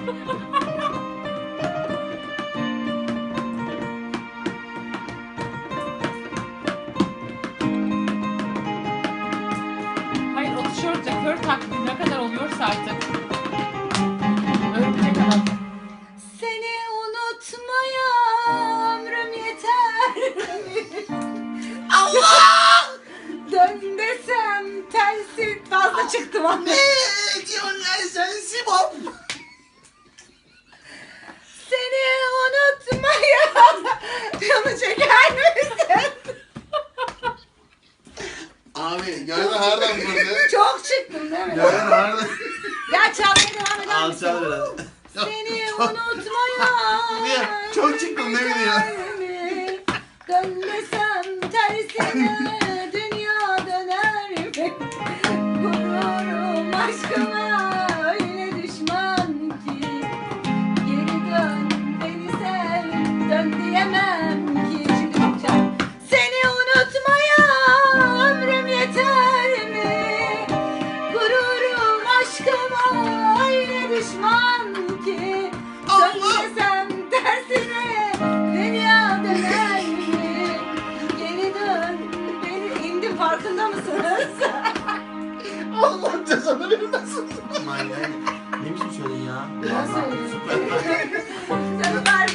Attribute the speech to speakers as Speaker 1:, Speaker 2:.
Speaker 1: Hayır, o tişörtle kör taklidi ne kadar oluyorsa artık. Örümcek adam.
Speaker 2: Seni unutmaya ömrüm yeter mi?
Speaker 3: Allah!
Speaker 2: Dön desem tersi fazla çıktı bana.
Speaker 3: Ne diyorsun lan sen Sibop?
Speaker 2: Seni unutmaya canı çeker misin?
Speaker 3: Abi gördün nereden vurdu?
Speaker 2: Çok çıktım değil mi?
Speaker 3: Gördün nereden?
Speaker 2: Ya çalmaya devam eder
Speaker 3: Al
Speaker 2: misin?
Speaker 3: çal biraz.
Speaker 2: Seni unutmaya
Speaker 3: Niye? Çok çıktım ne bileyim.
Speaker 2: mi? Dön desem tersine dünya döner mi? Gururum aşkıma öyle düşman ki. Geri dön beni sev, dön diyemem ki. Şimdi bakacağım. Seni unutmaya ömrüm yeter mi? Gururum aşkıma öyle düşman ki. Dön desem tersine dünya döner mi? Geri dön beni indim, farkında mısınız?
Speaker 3: Allah cezanı vermesin.
Speaker 4: Manyak. Ne biçim söyledin ya?
Speaker 2: Nasıl? Canım